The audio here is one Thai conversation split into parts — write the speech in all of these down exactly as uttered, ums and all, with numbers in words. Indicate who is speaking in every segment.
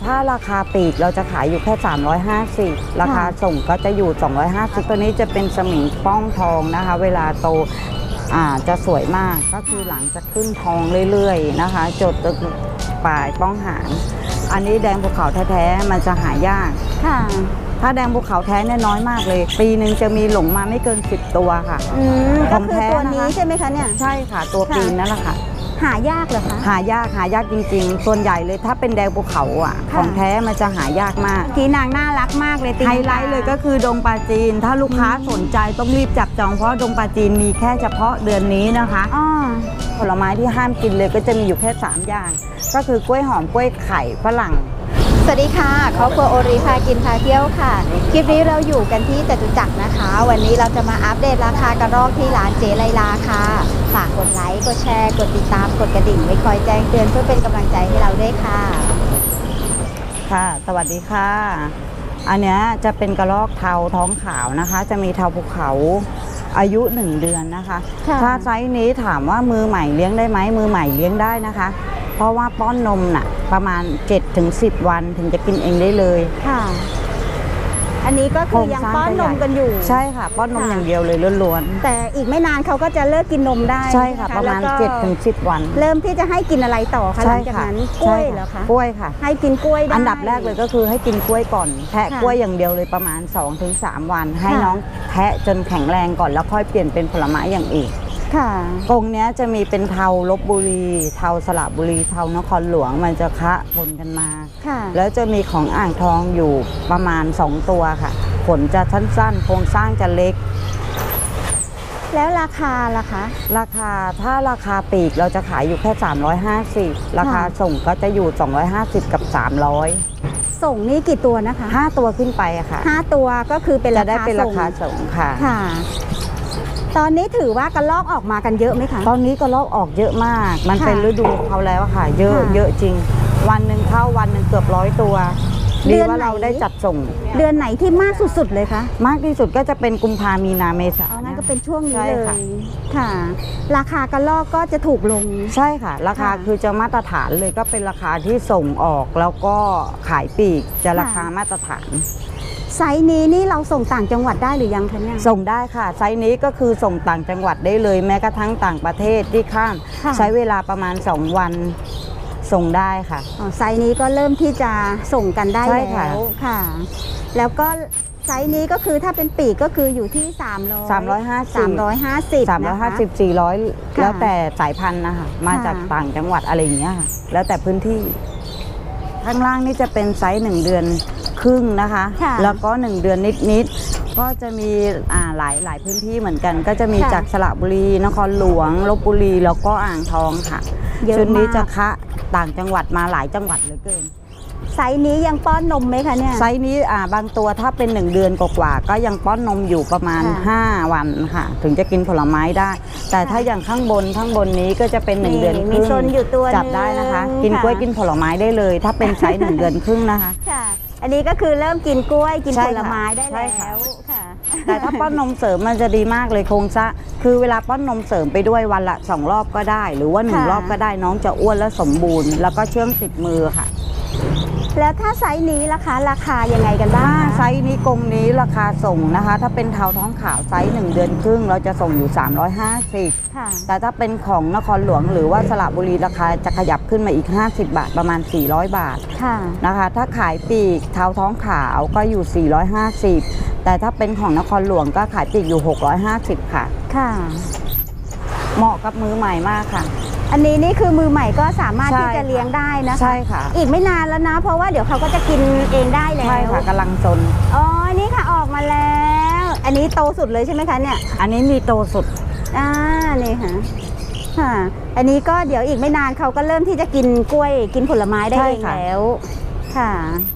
Speaker 1: ถ้าราคาปลีกเราจะขายอยู่แค่สามร้อยห้าสิบราคาส่งก็จะอยู่สองร้อยห้าสิบตัวนี้จะเป็นสมิงป้องทองนะคะเวลาโตอ่าจะสวยมากก็คือหลังจะขึ้นทองเรื่อยๆนะคะจดปลายป้องหางอันนี้แดงภูเขาแท้ๆมันจะหายากค่ะถ้าแดงภูเขาแท้เนี่ยน้อยมากเลยปีหนึ่งจะมีหลงมาไม่เกินสิบตัวค่ะ
Speaker 2: ของแท้ตัวนี้ใช่ไหมคะเนี่ย
Speaker 1: ใช่ค่ะตัวปีนนั่นแหละค่ะ
Speaker 2: หายากเหรอคะ
Speaker 1: หายากหายากจริงๆส่วนใหญ่เลยถ้าเป็นแดงภูเขาอ่ะของแท้มันจะหายากมาก
Speaker 2: ทีนางน่ารักมากเลย
Speaker 1: ไฮไลท์เลยก็คือดงปลาจีนถ้าลูกค้าสนใจต้องรีบจับจองเพราะดงปลาจีนมีแค่เฉพาะเดือนนี้นะคะผลไม้ที่ห้ามกินเลยก็จะมีอยู่แค่สามอย่างก็คือกล้วยหอมกล้วยไข่ฝรั่ง
Speaker 2: สวัสดีค่ะครอบครัวโอริพากินพาเที่ยวค่ะคลิปนี้เราอยู่กันที่จตุจักรนะคะวันนี้เราจะมาอัปเดตราคากระรอกที่ร้านเจไลลาค่ะฝากกดไลค์กดแชร์กดติดตามกดกระดิ่งไว้คอยแจ้งเตือนเพื่อเป็นกำลังใจให้เราด้วยค่ะ
Speaker 1: ค่ะสวัสดีค่ะอันนี้จะเป็นกระรอกเทาท้องขาวนะคะจะมีเทาภูเขาอายุหนึ่งเดือนนะคะถ้าไซส์นี้ถามว่ามือใหม่เลี้ยงได้ไหมมือใหม่เลี้ยงได้นะคะเพราะว่าป้อนนมน่ะประมาณ เจ็ดถึงสิบ วันถึงจะกินเองได้เลยค่ะ
Speaker 2: อันนี้ก็คือยังป้อนนมกันอยู่
Speaker 1: ใช่ค่ะป้อนนมอย่างเดียวเลยล้วน
Speaker 2: ๆแต่อีกไม่นานเขาก็จะเลิกกินนมได้
Speaker 1: ใช่ค่ะประมาณ เจ็ดถึงสิบ วัน
Speaker 2: เริ่มที่จะให้กินอะไรต่อคะหลังจากนั้นกล้วยเหรอคะ
Speaker 1: กล้วยค่ะ
Speaker 2: ให้กินกล้วยได้
Speaker 1: อันดับแรกเลยก็คือให้กินกล้วยก่อนแทะกล้วยอย่างเดียวเลยประมาณ สองถึงสาม วันให้น้องแทะจนแข็งแรงก่อนแล้วค่อยเปลี่ยนเป็นผลไม้อย่างอื่นกรงนี้จะมีเป็นเทาลพบุรีเทาสระบุรีเทานครหลวงมันจะคะปนกันมาแล้วจะมีของอ่างทองอยู่ประมาณสองตัวค่ะขนจะสั้นๆโครงสร้างจะเล็ก
Speaker 2: แล้วราคาล่ะคะ
Speaker 1: ราคาถ้าราคาปลีกเราจะขายอยู่แค่สามร้อยห้าสิบราคาส่งก็จะอยู่สองร้อยห้าสิบกับสามร้อย
Speaker 2: ส่งนี่กี่ตัวนะคะ
Speaker 1: ห้าตัวขึ้นไปอะค่ะ
Speaker 2: ห้าตัวก็คือเป็นราคาส่งจะ
Speaker 1: ได้เป็นราคาส่งค่ะ
Speaker 2: ค่ะตอนนี้ถือว่ากระลอกออกมากันเยอะไหมคะ
Speaker 1: ตอนนี้กระลอกออกเยอะมากมันเป็นฤดูเขาแล้วค่ะเยอะเยอะจริงวันหนึ่งเข้าวันหนึ่งเกือบร้อยตัวดีว่าเราได้จัดส่ง
Speaker 2: เดือนไหนที่มากสุดๆเลยคะ
Speaker 1: มากที่สุดก็จะเป็นกุมภามีนาเมษา
Speaker 2: งั้นก็เป็นช่วงนี้เลยค่ะราคากระลอกก็จะถูกลง
Speaker 1: ใช่ค่ะราคาคือจะมาตรฐานเลยก็เป็นราคาที่ส่งออกแล้วก็ขายปลีกจะราคามาตรฐาน
Speaker 2: ไซส์นี้นี่เราส่งต่างจังหวัดได้หรือยังคะเนี่ย
Speaker 1: ส่งได้ค่ะไซส์นี้ก็คือส่งต่างจังหวัดได้เลยแม้กระทั่งต่างประเทศที่ข้ามใช้เวลาประมาณสองวันส่งได้ค่ะ
Speaker 2: ไซส์นี้ก็เริ่มที่จะส่งกันได้แล้วค่ะแล้วก็ไซส์นี้ก็คือถ้าเป็นปีกก็คืออยู่ที่สามร้อย
Speaker 1: สามร้อยห้าสิบ
Speaker 2: สามร้อยห้าสิบ
Speaker 1: สามร้อยห้าสิบ สี่ร้อยแล้วแต่สายพันธุ์นะคะมาจากต่างจังหวัดอะไรอย่างเงี้ยแล้วแต่พื้นที่ข้างล่างนี่จะเป็นไซส์หนึ่งเดือนครึ่งนะคะแล้วก็หนึ่งเดือนนิดๆก็จะมีอ่าหลายหลายพื้นที่เหมือนกันก็จะมีจากสระบุรีนครหลวงลพบุรีแล้วก็อ่างทองค่ะชุดนี้จะคะต่างจังหวัดมาหลายจังหวัดเหลือเกิน
Speaker 2: ไซส์นี้ยังป้อนนมไหมคะเนี่ย
Speaker 1: ไซส์นี้อ่าบางตัวถ้าเป็นหนึ่งเดือนกว่าก็ยังป้อนนมอยู่ประมาณห้าวันค่ะถึงจะกินผลไม้ได้แต่ถ้าอย่างข้างบนข้างบนนี้ก็จะเป็นหนึ่งเดือนครึ่งจับได้นะคะกินกล้วยกินผลไม้ได้เลยถ้าเป็นไซส์หนึ่งเดือนครึ่งนะคะ
Speaker 2: อันนี้ก็คือเริ่มกินกล้วยกินผลไม้ได้แล้วค่ะ
Speaker 1: แต่ถ้าป้อนนมเสริมมันจะดีมากเลยโครงสร้างคือเวลาป้อนนมเสริมไปด้วยวันละสองรอบก็ได้หรือว่าหนึ่งรอบก็ได้น้องจะอ้วนและสมบูรณ์แล้วก็เชื่องติดมือค่ะ
Speaker 2: แล้วถ้าไซส์นี้ราคาราคายังไงกันบ้าง
Speaker 1: ไซส์นี้กรงนี้ราคาส่งนะคะถ้าเป็นเทาท้องขาวไซส์หนึ่งเดือนครึ่งเราจะส่งอยู่สามร้อยห้าสิบแต่ถ้าเป็นของนครหลวงหรือว่าสระบุรีราคาจะขยับขึ้นมาอีกห้าสิบบาทประมาณสี่ร้อยบาทนะคะถ้าขายปีกเทาท้องขาวก็อยู่สี่ร้อยห้าสิบแต่ถ้าเป็นของนครหลวงก็ขายปีกอยู่หกร้อยห้าสิบค่ะค่ะเหมาะกับมือใหม่มากค่ะ
Speaker 2: อันนี้นี่คือมือใหม่ก็สามารถที่จะเลี้ยงได้นะคะ
Speaker 1: ใช่ค่ะ
Speaker 2: อีกไม่นานแล้วนะเพราะว่าเดี๋ยวเขาก็จะกินเองได้แล้ว
Speaker 1: ใช่ค่ะกำลังซน
Speaker 2: อ๋อนี่ค่ะออกมาแล้วอันนี้โตสุดเลยใช่ไหมคะเนี่ย
Speaker 1: อันนี้มีโตสุด
Speaker 2: อ่านี่ค่ะค่ะอันนี้ก็เดี๋ยวอีกไม่นานเขาก็เริ่มที่จะกินกล้วยกินผลไม้ได้เองแล้วค่ะ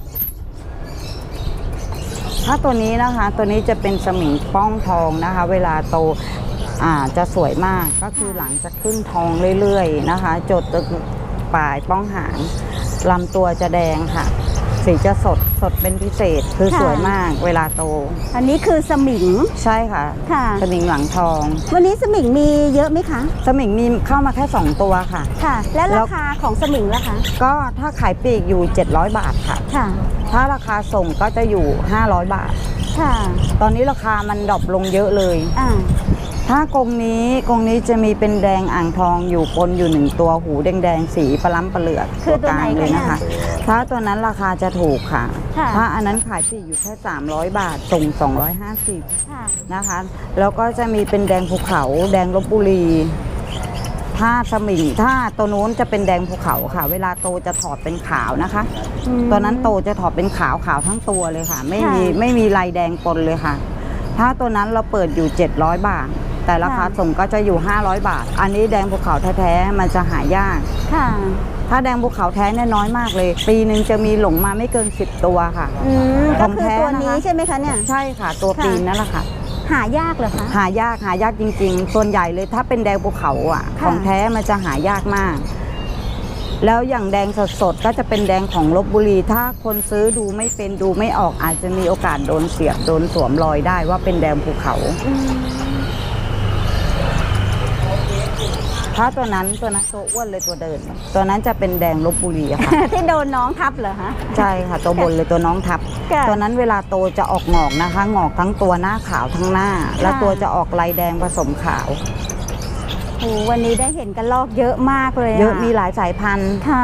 Speaker 1: ถ้าตัวนี้นะคะตัวนี้จะเป็นสมิงป้องทองนะคะเวลาโตอ่าจะสวยมากก็คือหลังจะขึ้นทองเรื่อยๆนะคะจดปลายป้องหางลำตัวจะแดงค่ะสีจะสดสดเป็นพิเศษคือสวยมากเวลาโต
Speaker 2: อันนี้คือสมิง
Speaker 1: ใช่ค่ะ
Speaker 2: ค่ะ
Speaker 1: สมิงหลังทอง
Speaker 2: วันนี้สมิงมีเยอะไหมคะ
Speaker 1: สมิงมีเข้ามาแค่สองตัวค่ะ
Speaker 2: ค่ะ และ
Speaker 1: แล้
Speaker 2: ราว คาของสมิงล่ะคะ
Speaker 1: ก็ถ้าขายปลีกอยู่เจ็ดร้อยบาทค่ะ
Speaker 2: ค่ะ
Speaker 1: ถ้าราคาส่งก็จะอยู่ห้าร้อยบาท
Speaker 2: ค่ะ
Speaker 1: ตอนนี้ราคามันดรอปลงเยอะเลย
Speaker 2: อ่า
Speaker 1: ถ้ากรงนี้กรงนี้จะมีเป็นแดงอ่างทองอยู่ปนอยู่หนึ่งตัวหูแดงๆสีปลาล้ำปลาเหลือก
Speaker 2: คือตัวไหน
Speaker 1: กลางเลย
Speaker 2: คะ
Speaker 1: นะคะ ถ้าตัวนั้นราคาจะถูกค่ะ
Speaker 2: ค่ะ
Speaker 1: ถ้าอันนั้นขายปลีกอยู่แค่สามร้อยบาทส่งสองร้อยห้าสิบ
Speaker 2: ค่ะ
Speaker 1: นะคะ แล้วก็จะมีเป็นแดงภูเขา แดงลพบุรี ถ้าสมิงถ้าตัวนู้นจะเป็นแดงภูเขาค่ะ เวลาโตจะถอดเป็นขาวนะคะ
Speaker 2: อืม
Speaker 1: ตัวนั้นโตจะถอดเป็นขาวขาวทั้งตัวเลยค่ะ ไม่มี
Speaker 2: ค่ะ
Speaker 1: ไม่มีลายแดงปนเลยค่ะ ถ้าตัวนั้นเราเปิดอยู่เจ็ดร้อยบาท แต่ราคา
Speaker 2: ค่ะ
Speaker 1: ส่งก็จะอยู่ห้าร้อยบาท อันนี้แดงภูเขาแท้ๆมันจะหายาก
Speaker 2: ค่ะ
Speaker 1: ถ้าแดงภูเขาแท้เนี่ยน้อยมากเลย ปีหนึ่งจะมีหลงมาไม่เกินสิบตัวค่ะ
Speaker 2: อืม
Speaker 1: ข
Speaker 2: ก็
Speaker 1: อง
Speaker 2: คือ
Speaker 1: แท้
Speaker 2: ตัว
Speaker 1: นะคะ
Speaker 2: นี้ใช่ไหมคะเนี่ย
Speaker 1: ใช่ค่ะ ตัว
Speaker 2: ค่ะ
Speaker 1: ปีนนั่นแหละค่ะ
Speaker 2: หายากเหรอคะ
Speaker 1: หายากหายากจริงๆ ส่วนใหญ่เลยถ้าเป็นแดงภูเขาอ่ะ
Speaker 2: ค่ะ
Speaker 1: ของแท้มันจะหายากมาก แล้วอย่างแดงสดๆก็จะเป็นแดงของลพบุรี ถ้าคนซื้อดูไม่เป็นดูไม่ออกอาจจะมีโอกาสโดนเสียบโดนสวมรอยได้ว่าเป็นแดงภูเขา
Speaker 2: อืม
Speaker 1: ถ้าตัวนั้นตัวนั้นตัวอ้วนเลยตัวเดิน ตัวนั้นจะเป็นแดงลพบุรีอะค่ะ
Speaker 2: ที่โดนน้องทับเหรอคะ
Speaker 1: ใช่ค่ะ ตัวบนเลยตัวน้องทับ
Speaker 2: ค่ะ
Speaker 1: ตัวนั้นเวลาโตจะออกงอกนะคะ งอกทั้งตัวหน้าขาวทั้งหน้า แล้ว
Speaker 2: ค่ะ
Speaker 1: ตัวจะออกลายแดงผสมขาว
Speaker 2: โอ้วันนี้ได้เห็นกระรอกเยอะมากเลย
Speaker 1: เยอะมีหลายสายพันธุ์
Speaker 2: ค่ะ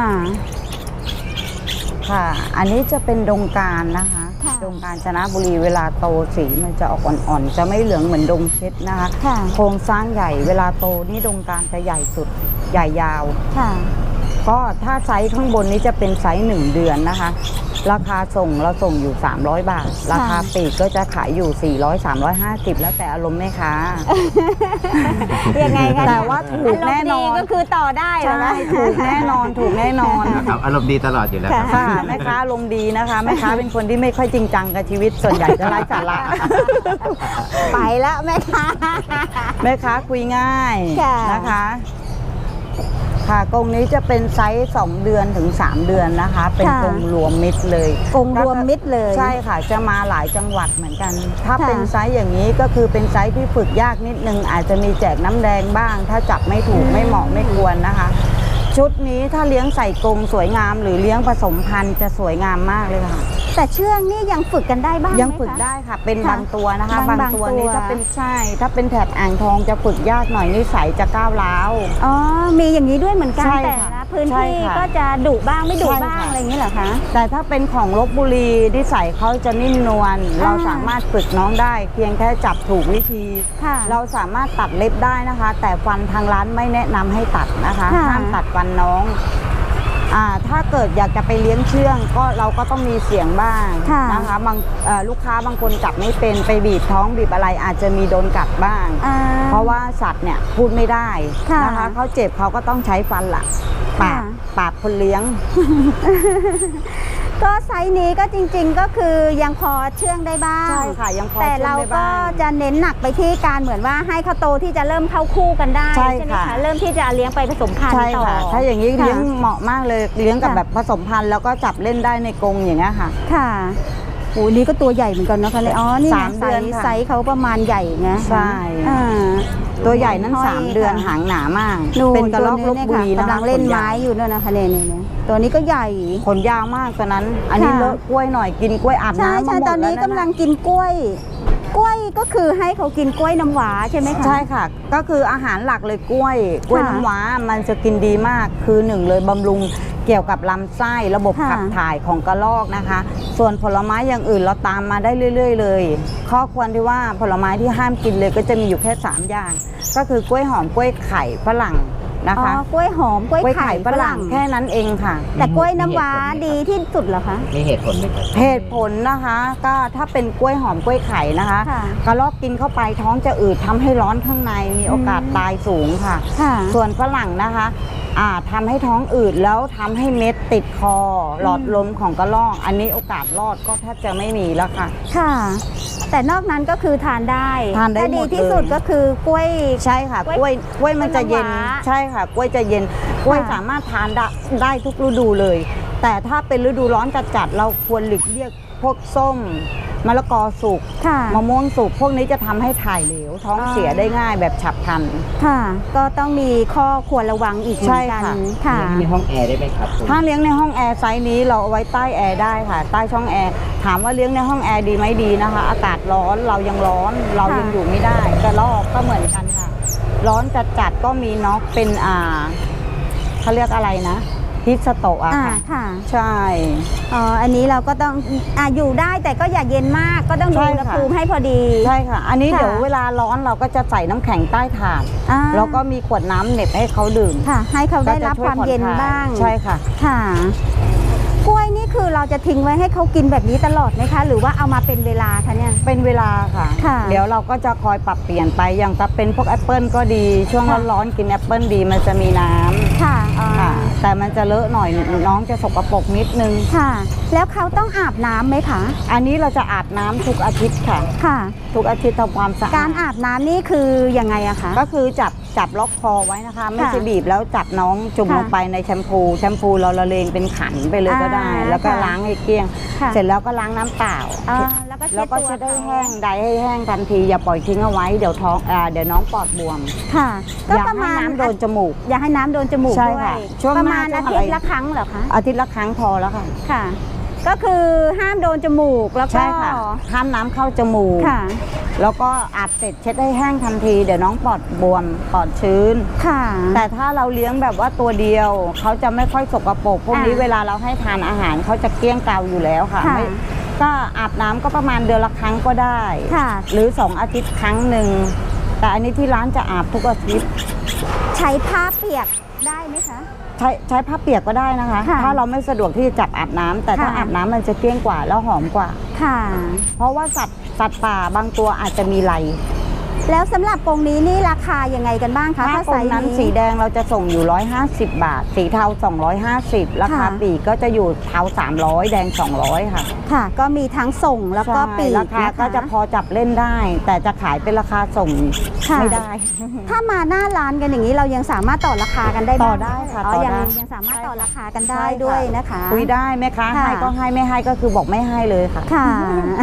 Speaker 1: ค่ะ อันนี้จะเป็นดงการนะคะ
Speaker 2: ค่ะ
Speaker 1: ดงกาญจนบุรีเวลาโตสีมันจะออกอ่อนๆ จะไม่เหลืองเหมือนดงเพชรนะคะ
Speaker 2: ค่ะ
Speaker 1: โครงสร้างใหญ่ เวลาโตนี่ดงการจะใหญ่สุด ใหญ่ยาว
Speaker 2: ค่ะ
Speaker 1: ก็ถ้าไซส์ข้างบนนี้จะเป็นไซส์หนึ่งเดือนนะคะ ราคาส่งเราส่งอยู่สามร้อยบาท ราคาปลีกก็จะขายอยู่สี่ร้อย สามร้อยห้าสิบแล้วแต่อารมณ์แม่ค้า
Speaker 2: ยังไงกัน
Speaker 1: แต่ว่าถูกแน่นอน
Speaker 2: ารมณ์ดีก็คือต่อได้เหรอ
Speaker 1: ใช่
Speaker 2: คะ
Speaker 1: ถูกแน่นอนถูกแน่นอน
Speaker 3: ครับอารมณ์ดีตลอดอยู่แล้วครับ
Speaker 1: ค่ะแม่ค้าลมณ์ดีนะคะแม่ค้าเป็นคนที่ไม่ค่อยจริงจังกับชีวิตส่วนใหญ่จะไร้สาระ
Speaker 2: ไปแล้วแม่ค้า
Speaker 1: แม่ค้าคุยง่าย
Speaker 2: ค่ะ
Speaker 1: นะคะ ค่ะกรงนี้จะเป็นไซส์สองเดือนถึงสามเดือนนะคะ เป็น
Speaker 2: ค่ะ
Speaker 1: กรงรวมมิตรเลย
Speaker 2: กรงรวมมิตรเลย
Speaker 1: ใช่ค่ะจะมาหลายจังหวัดเหมือนกัน ถ้า
Speaker 2: ค่ะ
Speaker 1: เป็นไซส์อย่างนี้ก็คือเป็นไซส์ที่ฝึกยากนิดนึงอาจจะมีแจกน้ำแดงบ้าง ถ้าจับไม่ถูกไม่เหมาะไม่ควรนะคะ ชุดนี้ถ้าเลี้ยงใส่กรงสวยงาม หรือเลี้ยงผสมพันธุ์จะสวยงามมากเลยค่ะ
Speaker 2: แต่เชื่องนี่ยังฝึกกันได้บ้างไหมคะ
Speaker 1: ยังฝึกได้ค่ะ เป็น
Speaker 2: ค่ะ
Speaker 1: บางตัวนะคะ
Speaker 2: บาง
Speaker 1: บางตัว
Speaker 2: บางตัว
Speaker 1: นี้ถ้าเป็นใช่ ถ้าเป็นแถบอ่างทองจะฝึกยากหน่อยนิสัยจะก้าวร้าว
Speaker 2: อ๋อ มีอย่างนี้ด้วยเหมือนกัน
Speaker 1: ใช่
Speaker 2: แต่
Speaker 1: ค่ะ
Speaker 2: ละพื้น
Speaker 1: ใช่
Speaker 2: ที่
Speaker 1: ค่ะ
Speaker 2: ก็จะดุบ้างไม่ดุ
Speaker 1: ใช่
Speaker 2: บ้าง
Speaker 1: ค่ะ
Speaker 2: อะไรอย่างนี้เหรอคะ
Speaker 1: แต่ถ้าเป็นของลบบุรีนิสัยเขาจะนิ่มนวลเราสามารถฝึกน้องได้ เพียงแค่จับถูกวิธี
Speaker 2: ค่ะ
Speaker 1: เราสามารถตัดเล็บได้นะคะ แต่ฟันทางร้านไม่แนะนำให้ตัดนะคะ
Speaker 2: ค่ะ
Speaker 1: ห้ามตัดฟันน้องอ่าถ้าเกิดอยากจะไปเลี้ยงเชื่องก็เราก็ต้องมีเสียงบ้าง
Speaker 2: ค่ะ
Speaker 1: นะคะบางเอ่อลูกค้าบางคนจับไม่เป็นไปบีบท้องบีบอะไรอาจจะมีโดนกัดบ้าง
Speaker 2: อ่า
Speaker 1: เพราะว่าสัตว์เนี่ยพูดไม่ได้
Speaker 2: ค่ะ
Speaker 1: นะคะเขาเจ็บเขาก็ต้องใช้ฟันละปา
Speaker 2: ค่ะ
Speaker 1: ดปาดคนเลี้ยง
Speaker 2: ก็ไซส์นี้ก็จริงๆก็คือยังพอเชื่องได้บ้าง
Speaker 1: ใช่ค่ะยังพอ
Speaker 2: แต่เรา
Speaker 1: ช่วยได้
Speaker 2: ก็
Speaker 1: บ้าง
Speaker 2: จะเน้นหนักไปที่การเหมือนว่าให้เขาโตที่จะเริ่มเข้าคู่กันได้
Speaker 1: ใช่
Speaker 2: ไหม
Speaker 1: ค่ะ
Speaker 2: คะเริ่มที่จะเลี้ยงไปผสมพันธุ์
Speaker 1: ใช่
Speaker 2: ต่อ
Speaker 1: ค่ะ ถ้าอย่างนี้
Speaker 2: ค่ะ
Speaker 1: เลี้ยงเหมาะมากเลยเลี้ยงกับ
Speaker 2: ค่ะ
Speaker 1: แบบผสมพันธุ์แล้วก็จับเล่นได้ในกรงอย่างเงี้ยค่ะ
Speaker 2: ค่ะโอ้นี่ก็ตัวใหญ่เหมือนกันนะคะเนี่ยอ๋อนี่
Speaker 1: สาม
Speaker 2: ไซ
Speaker 1: เดือน
Speaker 2: ส์
Speaker 1: ค่ะ
Speaker 2: ไซส์เขาประมาณใหญ่นะ
Speaker 1: ใช่
Speaker 2: อ่า
Speaker 1: ตัวใหญ่นั้น
Speaker 2: ห้อย
Speaker 1: สามเดือน
Speaker 2: ค่ะ
Speaker 1: หางหนามาก
Speaker 2: นู่
Speaker 1: เป็นกระรอกล
Speaker 2: ตัว
Speaker 1: บ
Speaker 2: ย
Speaker 1: บุรี
Speaker 2: ค่ะ
Speaker 1: นะคะ
Speaker 2: กำลังเล่น
Speaker 1: ขยา
Speaker 2: ไม้
Speaker 1: ว
Speaker 2: อยู่ด้วยนะคะเนี่ยเนี่ยเนี่ยตัวนี้ก็ใหญ่
Speaker 1: ขนยาวมากตัวนั้น อันนี้
Speaker 2: ค่ะ
Speaker 1: เลอะกล้วยหน่อยกินกล้วยอาบ
Speaker 2: ใช่
Speaker 1: น้ำมา
Speaker 2: ใช่
Speaker 1: หมด
Speaker 2: ตอนนี้
Speaker 1: แล้ว
Speaker 2: กำลัง
Speaker 1: นะ
Speaker 2: กินกล้วย กล้วยก็คือให้เขากินกล้วยน้ำหวาใช่ไหมคะ
Speaker 1: ใช่ค่ะ ก็คืออาหารหลักเลยกล้วย กล้วย
Speaker 2: ค่ะ
Speaker 1: น้ำว้ามันจะกินดีมาก คือหนึ่งเลยบำรุงเกี่ยวกับลำไส้ระบบ
Speaker 2: ค่ะ
Speaker 1: ขับถ่ายของกระรอกนะคะ ส่วนผลไม้อย่างอื่นเราตามมาได้เรื่อย ๆ เลย ข้อควรที่ว่าผลไม้ที่ห้ามกินเลยก็จะมีอยู่แค่สามอย่าง ก็คือกล้วยหอมกล้วยไข่ฝรั่งนะ
Speaker 2: อ๋อ
Speaker 1: คะ
Speaker 2: กล้วยหอมกล้วยไข่ฝรั่ง
Speaker 1: แค่นั้นเองค่ะ
Speaker 2: แต่กล้วยน้ำว้า
Speaker 3: มี
Speaker 2: ดี
Speaker 3: เหตุผลไหมครับ
Speaker 2: ที่สุดเหรอคะ
Speaker 3: มีเหตุผลไหมครับ
Speaker 1: เหตุผลนะคะก็ถ้าเป็นกล้วยหอมกล้วยไข่นะคะ
Speaker 2: ค่ะ
Speaker 1: กระรอกกินเข้าไปท้องจะอืดทำให้ร้อนข้างในมีโอกาส
Speaker 2: อืม
Speaker 1: ตายสูงค่ะ
Speaker 2: ค่ะ
Speaker 1: ส่วนฝรั่งนะคะอ่าทำให้ท้องอืดแล้วทำให้เม็ดติดคอ หลอดลมของกระรอก อันนี้โอกาสรอดก็แทบจะไม่มีแล้วค่ะ
Speaker 2: ค่ะ แต่นอกนั้นก็คือทานได้
Speaker 1: ทานได้
Speaker 2: แต่
Speaker 1: หม
Speaker 2: ดี
Speaker 1: ด
Speaker 2: ที่สุด
Speaker 1: เลย
Speaker 2: ก็คือกล้วย
Speaker 1: ใช่ค่ะ
Speaker 2: กล้วย
Speaker 1: กล้วยกล้วยมันจะเย็น
Speaker 2: กล้วยน้ำว้า
Speaker 1: ใช่ค่ะ กล้วยจะเย็นกล้วย
Speaker 2: ค่ะ
Speaker 1: สามารถทานได้ได้ทุกฤดูเลยแต่ถ้าเป็นฤดูร้อนจัดๆเราควรหลีกเลี่ยงพวกส้มมะละกอสุก
Speaker 2: ค่ะ
Speaker 1: มะม่วงสุกพวกนี้จะทำให้ถ่ายเหลวท้อง
Speaker 2: อ่า
Speaker 1: เสียได้ง่ายแบบฉับพลัน
Speaker 2: ค่ะ ก็ต้องมีข้อควรระวังอีกเหมือนกัน
Speaker 1: ใช่ค่ะ
Speaker 2: ค่ะ
Speaker 3: เลี้ยงในห้องแอร์ได้ไหมครับผม
Speaker 1: ถ้าเลี้ยงในห้องแอร์ไซส์นี้เราเอาไว้ใต้แอร์ได้ค่ะ ใต้ช่องแอร์ถามว่าเลี้ยงในห้องแอร์ดีไหมดีนะคะ อากาศร้อนเรายังร้อนเรายัง
Speaker 2: ค่ะ
Speaker 1: อยู่ไม่ได้กระรอกก็เหมือนกันค่ะ ร้อนจัดๆก็มีน็อกเป็นอ่าเขาเรียกอะไรนะฮิสโตะอะ
Speaker 2: อ่า
Speaker 1: ค่ะ
Speaker 2: ค่ะ
Speaker 1: ใช่
Speaker 2: อ๋ออันนี้เราก็ต้องอ่าอยู่ได้แต่ก็อย่าเย็นมากก็ต้องดู
Speaker 1: ใช่
Speaker 2: อุณห
Speaker 1: ค่ะ
Speaker 2: ภูมิให้พอดี
Speaker 1: ใช่ค่ะ อันนี้
Speaker 2: ค่ะ
Speaker 1: เดี๋ยวเวลาร้อนเราก็จะใส่น้ำแข็งใต้ถาด
Speaker 2: อ่า
Speaker 1: แล้วก็มีขวดน้ำเหน็บให้เขาดื่ม
Speaker 2: ค่ะ ให้เขาได้
Speaker 1: ก็จะ
Speaker 2: รับ
Speaker 1: ช่
Speaker 2: ความเย็น
Speaker 1: ผ่อคล
Speaker 2: บ้าง
Speaker 1: ใช่ค่ะ
Speaker 2: ค่ะ กล้วยนี่คือเราจะทิ้งไว้ให้เขากินแบบนี้ตลอดไหมคะ หรือว่าเอามาเป็นเวลาคะเนี่ย
Speaker 1: เป็นเวลาค่ะ
Speaker 2: ค่ะ
Speaker 1: เดี๋ยวเราก็จะคอยปรับเปลี่ยนไปอย่างถ้าเป็นพวกแอปเปิลก็ดี ช่วง
Speaker 2: ค่ะ
Speaker 1: ร้อนๆกินแอปเปิลดีมันจะมีน้ำ
Speaker 2: ค่ะอ่า
Speaker 1: ค่ะ แต่มันจะเลอะหน่อยน้องจะสกปรกนิดนึง
Speaker 2: ค่ะ แล้วเขาต้องอาบน้ำไหมคะ
Speaker 1: อันนี้เราจะอาบน้ำทุกอาทิตย์ค่ะ
Speaker 2: ค่ะ
Speaker 1: ทุกอาทิตย์ทำความสะอาด
Speaker 2: การอาบน้ำนี่คือยังไงอะคะ
Speaker 1: ก็คือจับจับล็อกคอไว้นะคะ ไม่ใช่บีบแล้วจับน้องจุ่ม
Speaker 2: ค่ะ
Speaker 1: ลงไปในแชมพูแชมพูเราละเลงเป็นขันไปเลยก็ได้
Speaker 2: อ่า
Speaker 1: แล้วก็
Speaker 2: ค่ะ
Speaker 1: ล้างให้เกลี้ยง
Speaker 2: ค่ะ
Speaker 1: เสร็จแล้วก็ล้างน้ำเปล่า
Speaker 2: อ่าแล้วก็เช็
Speaker 1: แล้
Speaker 2: ด
Speaker 1: วก็
Speaker 2: ตัว
Speaker 1: เช็ดให้
Speaker 2: เขา
Speaker 1: แห้งใดให้แห้งทันทีอย่าปล่อยทิ้งเอาไว้เดี๋ยวท้องอ่าเดี๋ยวน้องปอดบวม
Speaker 2: ค่ะ ก็
Speaker 1: อย่า
Speaker 2: ประ
Speaker 1: ให้
Speaker 2: มาณ
Speaker 1: น้ำโดนจมูก
Speaker 2: อย่าให้น้ำโดนจมูก
Speaker 1: ใช่
Speaker 2: ด้วย
Speaker 1: ค่ะช่วง
Speaker 2: ประ
Speaker 1: หน้า
Speaker 2: มาณ
Speaker 1: ช่ว
Speaker 2: อาง
Speaker 1: อะไร
Speaker 2: ทิตย์ละครั้งเหรอคะ
Speaker 1: อาทิตย์ละครั้งพอแล้วค่ะ
Speaker 2: ค่ะ ก็คือห้ามโดนจมูกแล้วก็
Speaker 1: ใช่ค่ะห้ามน้ำเข้าจมูก
Speaker 2: ค่ะ
Speaker 1: แล้วก็อาบเสร็จเช็ดให้แห้งทันทีเดี๋ยวน้องปอดบวมปอดชื้น
Speaker 2: ค่ะ
Speaker 1: แต่ถ้าเราเลี้ยงแบบว่าตัวเดียวเขาจะไม่ค่อยสกปรกพวกนี้
Speaker 2: อ่า
Speaker 1: เวลาเราให้ทานอาหารเขาจะเกลี้ยงเกลาอยู่แล้วค่ะ
Speaker 2: ค่ะ
Speaker 1: ไม่ก็อาบน้ำก็ประมาณเดือนละครั้งก็ได้
Speaker 2: ค่ะ
Speaker 1: หรือสองอาทิตย์ครั้งหนึ่งแต่อันนี้ที่ร้านจะอาบทุกอาทิตย์
Speaker 2: ใช้ผ้าเปียกได้ไหมคะ
Speaker 1: ใช้ใช้ผ้าเปียกก็ได้นะคะ
Speaker 2: ค่ะ
Speaker 1: ถ้าเราไม่สะดวกที่จะจับอาบน้ำแต่ถ้า
Speaker 2: ค่ะ
Speaker 1: อาบน้ำมันจะเกลี้ยงกว่าแล้วหอมกว่า
Speaker 2: ค่ะ
Speaker 1: เพราะว่าสัตว์สัตว์ป่าบางตัวอาจจะมีไหล
Speaker 2: แล้วสำหรับกรงนี้นี่ราคายังไงกันบ้างคะ
Speaker 1: ถ้า
Speaker 2: ถ้า
Speaker 1: ต
Speaker 2: ไซ
Speaker 1: รง
Speaker 2: ส์
Speaker 1: นั้น
Speaker 2: นี้
Speaker 1: สีแดงเราจะส่งอยู่หนึ่งร้อยห้าสิบบาท สีเทาสองร้อยห้าสิบราคา
Speaker 2: ค่ะ
Speaker 1: ปลีกก็จะอยู่เทาสามร้อยแดงสองร้อยค่ะ
Speaker 2: ค่ะ ก็มีทั้งส่งแล้วก็
Speaker 1: ใช่
Speaker 2: ปีก
Speaker 1: ราคา
Speaker 2: นะคะ
Speaker 1: ก็จะพอจับเล่นได้ แต่จะขายเป็นราคาส่ง
Speaker 2: ค่ะ
Speaker 1: ไม่ได้
Speaker 2: ถ้ามาหน้าร้านกันอย่างนี้เรายังสามารถต่อราคากันได้บ้าง
Speaker 1: ต่อได้ค่ะ
Speaker 2: อ๋อ
Speaker 1: ต่อ
Speaker 2: ยัง
Speaker 1: ได้
Speaker 2: ยังสามารถต่อราคากัน
Speaker 1: ใช่
Speaker 2: ได้
Speaker 1: ค่ะ
Speaker 2: ด้วยนะคะ
Speaker 1: คุยได้ไหมคะ
Speaker 2: ค่ะ
Speaker 1: ให้ก็ให้ไม่ให้ก็คือบอกไม่ให้เลยค่ะ
Speaker 2: ค่ะ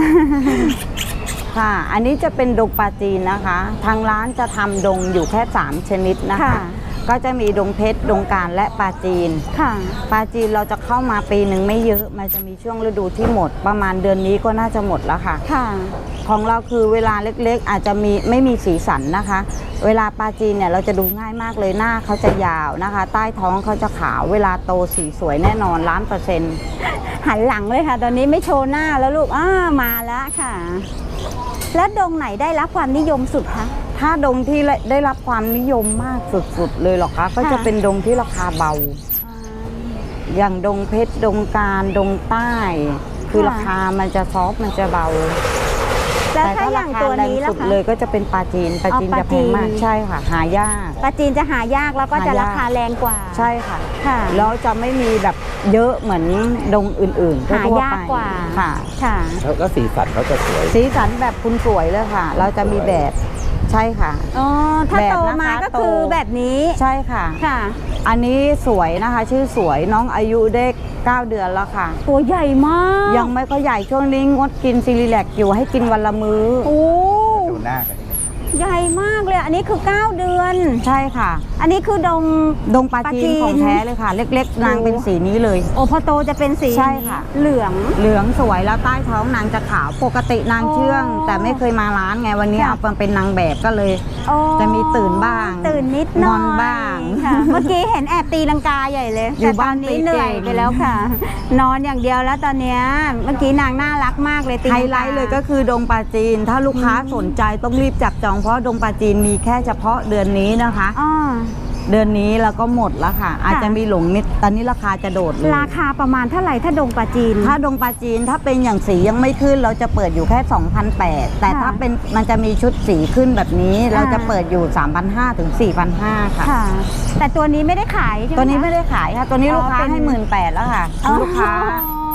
Speaker 1: ค่ะ อันนี้จะเป็นดงปลาจีนนะคะ ทางร้านจะทำดงอยู่แค่สามชนิดนะคะ
Speaker 2: ค่ะ
Speaker 1: ก็จะมีดงเพชรดงการและปลาจีน
Speaker 2: ค่ะ
Speaker 1: ปลาจีนเราจะเข้ามาปีหนึ่งไม่เยอะ มันจะมีช่วงฤดูที่หมด ประมาณเดือนนี้ก็น่าจะหมดแล้วค่ะ
Speaker 2: ค่ะ
Speaker 1: ของเราคือเวลาเล็กๆ อาจจะมีไม่มีสีสันนะคะ เวลาปลาจีนเนี่ยเราจะดูง่ายมากเลยหน้าเขาจะยาวนะคะ ใต้ท้องเขาจะขาวเวลาโตสีสวยแน่นอนล้านเปอร์เซ็นต์
Speaker 2: หันหลังเลยค่ะ ตอนนี้ไม่โชว์หน้าแล้วลูกอ้ามาแล้วค่ะ แล้วดงไหนได้รับความนิยมสุดคะ
Speaker 1: ถ้าดงที่ได้รับความนิยมมากสุดๆเลยเหรอคะ ก็จะเป็นดงที่ราคาเบา อย่างดงเพชรดงการดงใต้ คือ
Speaker 2: ค่ะ
Speaker 1: ราคามันจะซอฟต์มันจะเบา
Speaker 2: แล้ว
Speaker 1: แต่
Speaker 2: ถ้า
Speaker 1: ถ้า
Speaker 2: อ
Speaker 1: รา
Speaker 2: ย่าง
Speaker 1: คา
Speaker 2: ตัว
Speaker 1: แรง
Speaker 2: นี้ล่ะ
Speaker 1: สุด
Speaker 2: คะ
Speaker 1: เลยก็จะเป็นปลาจีนปลาจีน
Speaker 2: อ๋อ
Speaker 1: จะแพงมาก
Speaker 2: ปลาจีน
Speaker 1: ใช่ค่ะ หายาก
Speaker 2: ปลาจีนจะหายากแล้วก็จะ
Speaker 1: หายาก
Speaker 2: ราคาแรงกว่า
Speaker 1: ใช่ค่ะ
Speaker 2: ค่ะ
Speaker 1: แล้วจะไม่มีแบบเยอะเหมือนดงอื่นๆ
Speaker 2: หา
Speaker 1: ทั่วๆ
Speaker 2: ยาก
Speaker 1: ไป
Speaker 2: กว่า
Speaker 1: ค่ะ
Speaker 2: ค่ะ
Speaker 3: แล้วก็สีสันเขาจะสวย
Speaker 1: สีสันแบบคุณสวยเลยค่ะ เราจะมีแบบใช่ค่ะ
Speaker 2: อ๋อ ถ้า
Speaker 1: แบบ
Speaker 2: โต
Speaker 1: นะคะ
Speaker 2: มาก็
Speaker 1: โต
Speaker 2: คือแบบนี้
Speaker 1: ใช่ค่ะ
Speaker 2: ค่ะ
Speaker 1: อันนี้สวยนะคะ ชื่อสวยน้องอายุได้เก้าเดือนแล้วค่ะ
Speaker 2: ตัวใหญ่มาก
Speaker 1: ยังไม่ก็ใหญ่ช่วงนี้งดกินซีรีแลกอยู่ให้กินวันละมื้อ
Speaker 2: โอ้
Speaker 3: ดูหน้ากันนี่
Speaker 2: ใหญ่มากเลย อันนี้คือเก้าเดือน
Speaker 1: ใช่ค่ะ
Speaker 2: อันนี้คือดง
Speaker 1: ดงปลา
Speaker 2: ปลาจี
Speaker 1: จี
Speaker 2: น
Speaker 1: นของแท้เลยค่ะ เล็กๆ นางเป็นสีนี้เลย
Speaker 2: โอ้พอโตจะเป็นสี
Speaker 1: ใช่ค่ะ
Speaker 2: เหลือง
Speaker 1: เหลืองสวยแล้วใต้ท้องนางจะขาวปกตินางเชื่อง
Speaker 2: อ๋อ
Speaker 1: แต่ไม่เคยมาร้านไงวันนี้
Speaker 2: ค่ะ
Speaker 1: เอามาเป็นนางแบบก็เลย
Speaker 2: โอ้
Speaker 1: จะมีตื่นบ้าง
Speaker 2: ตื่นนิดหน่อย
Speaker 1: งอนบ้าง
Speaker 2: ค่ะ เมื่อกี้เห็นแอบตีลังกาใหญ่เลย
Speaker 1: อยู่
Speaker 2: แต่ตอนนี้
Speaker 1: บ้าน
Speaker 2: เหนื่อย
Speaker 1: เก่ง
Speaker 2: ไปแล้วค่ะ นอนอย่างเดียวแล้วตอนเนี้ยเมื่อกี้นางน่ารักมากเลยตี
Speaker 1: ไฮ
Speaker 2: งกา
Speaker 1: ไลท์เลยก็คือดงปลาจีน ถ้าลูกค้าสนใจต้องรีบจับจองเพราะดงปลาจีนมีแค่เฉพาะเดือนนี้นะคะ
Speaker 2: อ๋อ
Speaker 1: เดือนนี้แล้วก็หมดแล้วค่ะ อาจจะมีหลงนิดตอนนี้ราคาจะโดดเลย
Speaker 2: ราคาประมาณเท่าไหร่ถ้าดงปลาจีน
Speaker 1: ถ้าดงปลาจีนถ้าเป็นอย่างสียังไม่ขึ้นเราจะเปิดอยู่แค่ สองพันแปดร้อย แต่
Speaker 2: ค่ะ
Speaker 1: ถ้าเป็นมันจะมีชุดสีขึ้นแบบนี้ เราจะ
Speaker 2: อ่า
Speaker 1: เปิดอยู่ สามพันห้าร้อย ถึง สี่พันห้าร้อย ค่ะ
Speaker 2: ค่ะ แต่ตัวนี้ไม่ได้ขายใช่ไหม
Speaker 1: ตัวนี้
Speaker 2: คะ
Speaker 1: ไม่ได้ขายค่ะ ตัวนี้
Speaker 2: อ๋อ
Speaker 1: ลูกค้า
Speaker 2: เป็น
Speaker 1: ให้หมื่นแปดแล้วค่ะ
Speaker 2: อ๋อ
Speaker 1: ลูกค้า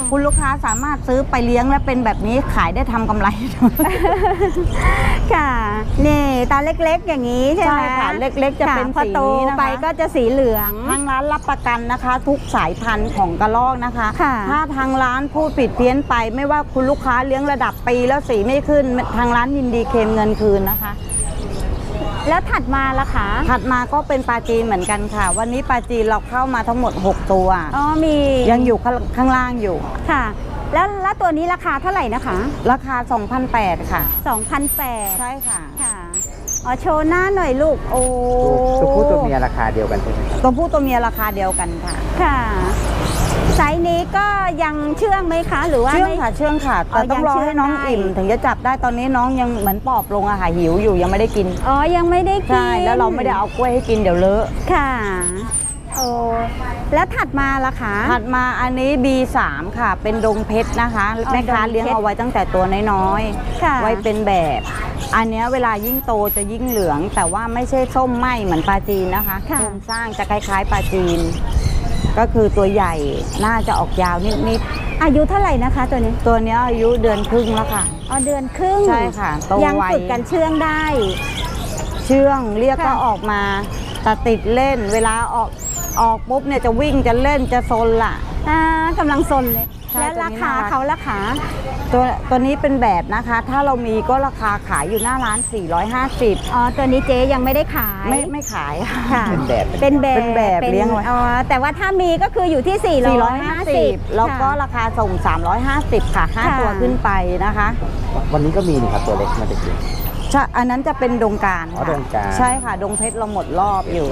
Speaker 1: คุณลูกค้าสามารถซื้อไปเลี้ยงและเป็นแบบนี้ขายได้ทำกำไร
Speaker 2: ค่ะนี่ตาเล็กๆอย่างนี้ใช่ไหม
Speaker 1: ใช่ค่ะเล็กๆจะเป็น
Speaker 2: พอ
Speaker 1: สี
Speaker 2: โต
Speaker 1: นี้นะคะ
Speaker 2: ไปก็จะสีเหลือง
Speaker 1: ทางร้านรับประกันนะคะ ทุกสายพันธุ์ของกระรอกนะคะ
Speaker 2: ค่ะ
Speaker 1: ถ้าทางร้านพูดผิดเพี้ยนไป ไม่ว่าคุณลูกค้าเลี้ยงระดับปีแล้วสีไม่ขึ้นทางร้านยินดีเคลมเงินคืนนะคะ
Speaker 2: แล้วถัดมาล่ะคะ
Speaker 1: ถัดมาก็เป็นปลาจีนเหมือนกันค่ะ วันนี้ปลาจีนเราเข้ามาทั้งหมดหกตัว
Speaker 2: อ๋อมี
Speaker 1: ยังอยู่ข้างข้างล่างอยู่
Speaker 2: ค่ะ แล้วแล้วตัวนี้ราคาเท่าไหร่นะคะ
Speaker 1: ราคา สองพันแปดร้อย ค่ะ
Speaker 2: สองพันแปด
Speaker 1: ใช่ค่ะ
Speaker 2: ค่ะอ๋อโชว์หน้าหน่อยลูกโอ้
Speaker 3: ตัวผู้ตัวเมียราคาเดียวกันใช่ไหมครับ
Speaker 1: ตัวผู้ตัวเมียราคาเดียวกันค่ะ
Speaker 2: ค่ะไซส์นี้ก็ยังเชื่องไหมคะ หรือว่า
Speaker 1: เชื่อง
Speaker 2: ไม่
Speaker 1: ค่ะเชื่องค่ะ
Speaker 2: อ๋อ
Speaker 1: แต่ต้องรอ
Speaker 2: ยังเชื่อง
Speaker 1: ให้น้อง
Speaker 2: ได้
Speaker 1: อิ่ม ถึงจะจับได้ตอนนี้น้องยังเหมือนปอบลงอะค่ะหิวอยู่ยังไม่ได้กิน
Speaker 2: อ๋อยังไม่ได้กิน
Speaker 1: ใช่แล้วเราไม่ได้เอากล้วยให้กินเดี๋ยวเลอะ
Speaker 2: ค่ะโอ้แล้วถัดมาล่ะคะ
Speaker 1: ถัดมาอันนี้ บี สาม ค่ะ เป็นดงเพชรนะคะ
Speaker 2: อ๋อ
Speaker 1: แม่ค้า
Speaker 2: ดงเพชร
Speaker 1: เลี้ยงเอาไว้ตั้งแต่ตัวน้อย
Speaker 2: ค่ะ
Speaker 1: ๆไว้เป็นแบบ อันเนี้ยเวลายิ่งโตจะยิ่งเหลือง แต่ว่าไม่ใช่ส้มไหมเหมือนปลาจีนนะคะ
Speaker 2: ค่ะ
Speaker 1: โครงสร้างจะคล้ายๆปลาจีน ก็คือตัวใหญ่น่าจะออกยาวนิด
Speaker 2: อายุเท่าไหร่นะคะตัวนี้
Speaker 1: ๆตัวเนี้ยอายุเดือนครึ่งแล้วค่ะ
Speaker 2: อ๋อเดือนครึ่ง
Speaker 1: ใช่ค่ะโต
Speaker 2: ยัง
Speaker 1: ไว
Speaker 2: ฝึกกันเชื่องได้
Speaker 1: เชื่องเรียก
Speaker 2: ค่ะ
Speaker 1: ก็ออกมาแต่ติดเล่น เวลาออกออกปุ๊บเนี่ยจะวิ่งจะเล่นจะซนล่ะ
Speaker 2: อ่ากำลังซนเลย
Speaker 1: ใช่
Speaker 2: แล้วราคา
Speaker 1: ตัวนี้น่ารัก
Speaker 2: เขาราคา
Speaker 1: ตัวตัวนี้เป็นแบบนะคะ ถ้าเรามีก็ราคาขายอยู่หน้าร้าน สี่ร้อยห้าสิบ
Speaker 2: อ๋อตัวนี้เจ๊ยังไม่ได้ขาย
Speaker 1: ไม่ไม่ขาย
Speaker 2: ค่ะ
Speaker 3: เป็นแบบ
Speaker 2: เป็นแบบ
Speaker 1: เป็นแบบเลี้ยงไว้
Speaker 2: อ๋อแต่ว่าถ้ามีก็คืออยู่ที่ สี่ร้อยห้าสิบ
Speaker 1: 450แล้วก็ราคาส่ง สามร้อยห้าสิบ ค่ะห้า
Speaker 2: ค่ะ
Speaker 1: ตัวขึ้นไปนะคะ
Speaker 3: วันนี้ก็มีนี่ครับตัวเล็กมาจะกิน
Speaker 1: ใช่อันนั้นจะเป็นดงการ
Speaker 3: อ๋อ
Speaker 1: ค่ะ
Speaker 3: ดงกาญ
Speaker 1: ใช่ค่ะ ดงเพชรเราหมดรอบอยู่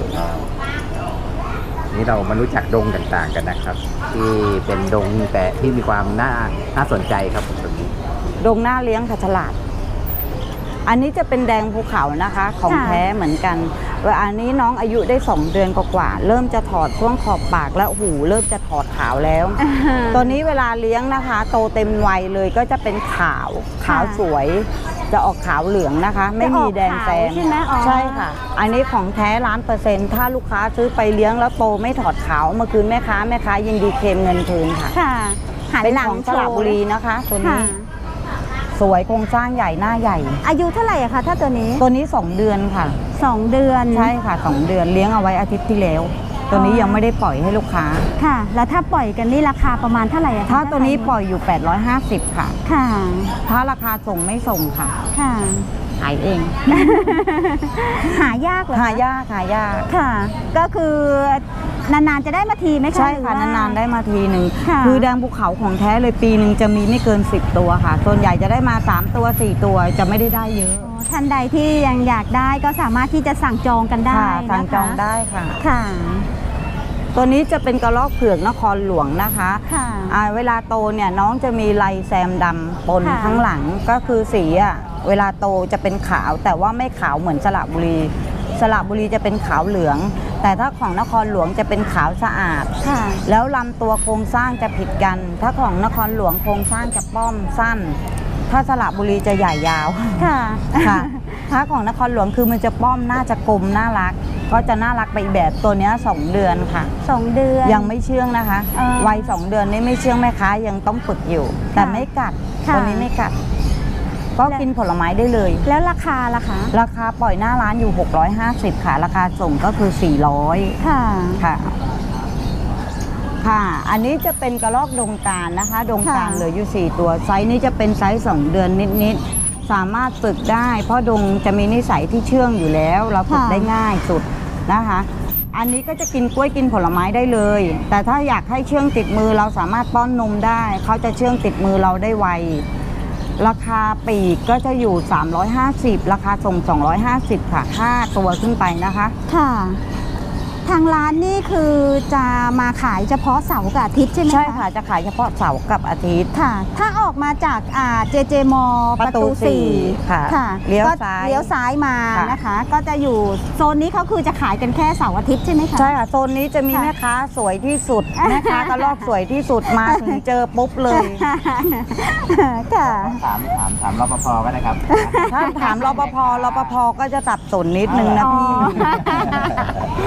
Speaker 3: นี่เรามารู้จักดงต่างๆกันนะครับ ที่เป็นดงแต่ที่มีความน่าน่าสนใจครับผมตรงนี้
Speaker 1: ดงหน้าเลี้ยงค่ะฉลาด อันนี้จะเป็นแดงภูเขานะคะ ของ
Speaker 2: ค่ะ
Speaker 1: แท้เหมือนกันเวลาอันนี้น้องอายุได้สองเดือนกว่าๆเริ่มจะถอดช่วงขอบปากแล้วหูเริ่มจะถอดขาวแล้ว ตัวนี้เวลาเลี้ยงนะคะ โตเต็มวัยเลยก็จะเป็นขาวขาวสวย จะออกขาวเหลืองนะคะ ไม่มีแดงแซม
Speaker 2: จะออกขาวใช่ไหมอ๋อ
Speaker 1: ใช่ค่ะ อันนี้ของแท้ล้านเปอร์เซ็นต์ถ้าลูกค้าซื้อไปเลี้ยงแล้วโตไม่ถอดขาวเอามาคืนแม่ค้าแม่ค้ายินดีเคลมเงินคืนค่ะ
Speaker 2: ค่ะหัน
Speaker 1: เป็น
Speaker 2: หลัง
Speaker 1: ของสระบุรีนะคะ ตัว
Speaker 2: ค่ะ
Speaker 1: นี้สวยโครงสร้างใหญ่หน้าใหญ่
Speaker 2: อายุเท่าไหร่อะคะถ้าตัวนี้
Speaker 1: ตัวนี้สองเดือนค่ะ
Speaker 2: สองเดือน
Speaker 1: ใช่ค่ะสองเดือนเลี้ยงเอาไว้อาทิตย์ที่แล้ว ตัวนี้ยังไม่ได้ปล่อยให้ลูกค้า
Speaker 2: ค่ะ แล้วถ้าปล่อยกันนี่ราคาประมาณเท่าไหร่อะคะ
Speaker 1: ถ้าตัวนี้ปล่อยอยู่ แปดร้อยห้าสิบ ค่ะ
Speaker 2: ค่ะ
Speaker 1: ถ้าราคาส่งไม่ส่งค่ะ
Speaker 2: ค่ะ
Speaker 1: ขายเอง
Speaker 2: หายากเหรอคะ
Speaker 1: หายากหายาก
Speaker 2: ค่ะ ก็คือนานๆจะได้มาทีไหมคะ
Speaker 1: ใช่
Speaker 2: หรือ
Speaker 1: ค่ะ
Speaker 2: ว่
Speaker 1: นานๆได้มาทีหนึ่ง
Speaker 2: ค่ะ
Speaker 1: คือแดงภูเขาของแท้เลยปีหนึ่งจะมีไม่เกินสิบตัวค่ะ ส่วนใหญ่จะได้มาสามตัวสี่ตัวจะไม่ได้ได้เยอะ
Speaker 2: อ๋อท่านใดที่ยังอยากได้ก็สามารถที่จะสั่งจองกันได้
Speaker 1: ค่ะ
Speaker 2: นะคะ
Speaker 1: สั่งจองได้ค่ะ
Speaker 2: ค่ะ
Speaker 1: ตัวนี้จะเป็นกระรอกเผือกนครหลวงนะคะ
Speaker 2: ค่ะ
Speaker 1: อ่าเวลาโตเนี่ยน้องจะมีลายแซมดำปน
Speaker 2: ค่ะ
Speaker 1: ข้างหลังก็คือสีอ่ะเวลาโตจะเป็นขาวแต่ว่าไม่ขาวเหมือนสระบุรี สระบุรีจะเป็นขาวเหลือง แต่ถ้าของนครหลวงจะเป็นขาวสะอาด
Speaker 2: ค่ะ
Speaker 1: แล้วลำตัวโครงสร้างจะผิดกัน ถ้าของนครหลวงโครงสร้างจะป้อมสั้น ถ้าสระบุรีจะใหญ่ยาว
Speaker 2: ค่ะ
Speaker 1: ค่ะ ถ้าของนครหลวงคือมันจะป้อมน่าจะกลมน่ารัก ก็จะน่ารักไปอีกแบบตัวเนี้ยสองเดือนค่ะ
Speaker 2: สองเดือน
Speaker 1: ยังไม่เชื่องนะคะ
Speaker 2: อ่า
Speaker 1: วัยสองเดือนนี่ไม่เชื่องแม่ค้ายังต้องฝึกอยู่ แต่ไม่กัด
Speaker 2: ค่ะ
Speaker 1: ตัวนี้ไม่กัด ก็กินผลไม้ได้เลย
Speaker 2: แล้วราคาล่ะคะ
Speaker 1: ราคาปล่อยหน้าร้านอยู่ หกร้อยห้าสิบ ค่ะ ราคาส่งก็คือ สี่ร้อย
Speaker 2: ค่ะ
Speaker 1: ค่ะ ค่ะ อันนี้จะเป็นกระรอกดงการนะคะ ดงการ
Speaker 2: ค่ะ
Speaker 1: เหลืออยู่ สี่ ตัว ไซส์นี้จะเป็นไซส์สองเดือนนิดๆ สามารถฝึกได้ เพราะดงจะมีนิสัยที่เชื่องอยู่แล้ว เราฝึกได้ง่ายสุดนะคะ อันนี้ก็จะกินกล้วยกินผลไม้ได้เลย แต่ถ้าอยากให้เชื่องติดมือเราสามารถป้อนนมได้ เขาจะเชื่องติดมือเราได้ไว ราคาปลีกก็จะอยู่ สามร้อยห้าสิบ ราคาส่ง สองร้อยห้าสิบ ค่ะห้าตัวขึ้นไปนะคะ
Speaker 2: ค่ะ ทางร้านนี่คือจะมาขายเฉพาะเสาร์กับอาทิตย์ใช่ไหมคะ
Speaker 1: ใช่ค่ะ จะขายเฉพาะเสาร์กับอาทิตย์
Speaker 2: ค่ะ ถ้าออกมาจากอ่าเจเจมอ
Speaker 1: ประตูสี่ค่ะ
Speaker 2: ค่ะ
Speaker 1: เลี้ยว
Speaker 2: ก็
Speaker 1: ซ้าย
Speaker 2: เลี้ยวซ้ายมา
Speaker 1: ค่ะ
Speaker 2: นะคะ ก็จะอยู่โซนนี้เขาคือจะขายกันแค่เสาร์อาทิตย์ใช่ไหมคะ
Speaker 1: ใช่ค่ะโซนนี้จะมี
Speaker 2: ค่ะ
Speaker 1: แม่ค้าสวยที่สุด แม่ค้ากระลอกสวยที่สุดมาถึงเจอปุ๊บเลย
Speaker 2: ค่ะ
Speaker 3: ถามถามถามรปภก็ได้ครับ
Speaker 1: ถ้าถามรปภรปภก็จะสับสนนิดนึงนะพี่
Speaker 2: อ๋อ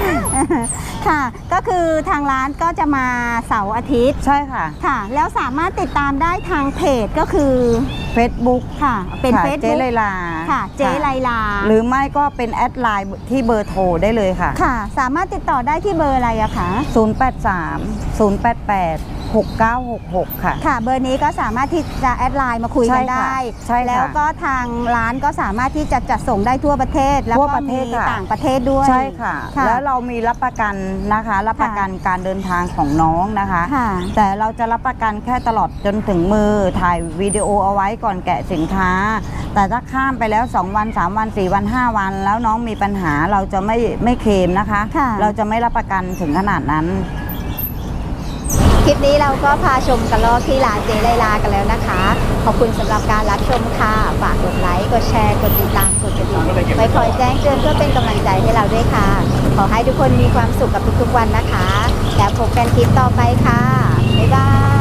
Speaker 2: ค่ะ ก็คือทางร้านก็จะมาเสาร์อาทิตย์
Speaker 1: ใช่ค่ะ
Speaker 2: ค่ะ แล้วสามารถติดตามได้ทางเพจก็คือ
Speaker 1: Facebook
Speaker 2: ค่ะ เป็น
Speaker 1: ค่ะ
Speaker 2: เฟซ
Speaker 1: เจ๊
Speaker 2: บุ๊ก
Speaker 1: ไลลา
Speaker 2: ค่ะ เจ๊ไลลา
Speaker 1: หรือไม่ก็เป็นแอดไลน์ที่เบอร์โทรได้เลยค่ะ
Speaker 2: ค่ะ สามารถติดต่อได้ที่เบอร์อะไรอะคะ
Speaker 1: ศูนย์ แปด สาม ศูนย์ แปด แปด หก เก้า หก หก ค่ะ
Speaker 2: ค่ะ เบอร์นี้ก็สามารถที่จะแอดไลน์มาคุยกันได้
Speaker 1: ใช่ค่ะ
Speaker 2: แล้วก็ทางร้านก็สามารถที่จะจัดส่งได้ทั่วประเทศ แล้ว
Speaker 1: ทั่ว
Speaker 2: ก็
Speaker 1: ประเท
Speaker 2: มี
Speaker 1: ศค่ะ
Speaker 2: ต่างประเทศด้วย
Speaker 1: ใช่ค่ะ
Speaker 2: ค่ะ
Speaker 1: แล้วเรามีรับประกันนะคะ รับประกันการเดินทางของน้องนะคะ
Speaker 2: ค่ะ
Speaker 1: แต่เราจะรับประกันแค่ตลอดจนถึงมือถ่ายวิดีโอเอาไว้ก่อนแกะสินค้า แต่ถ้าข้ามไปแล้วสองวันสามวันสี่วันห้าวัน แล้วน้องมีปัญหาเราจะไม่ไม่เคลมนะคะ
Speaker 2: ค่ะ
Speaker 1: เราจะไม่รับประกันถึงขนาดนั้น
Speaker 2: คลิปนี้เราก็พาชมกันรอบที่ร้านเจไลลากันแล้วนะคะ ขอบคุณสำหรับการรับชมค่ะ ฝากกดไลค์ กดแชร์ กดติดตาม กดกระดิ่งไว้คอยแจ้งเตือนเพื่อเป็นกำลังใจให้เราด้วยค่ะ ขอให้ทุกคนมีความสุขกับทุกๆวันนะคะ แล้วพบกันคลิปต่อไปค่ะ บ๊ายบาย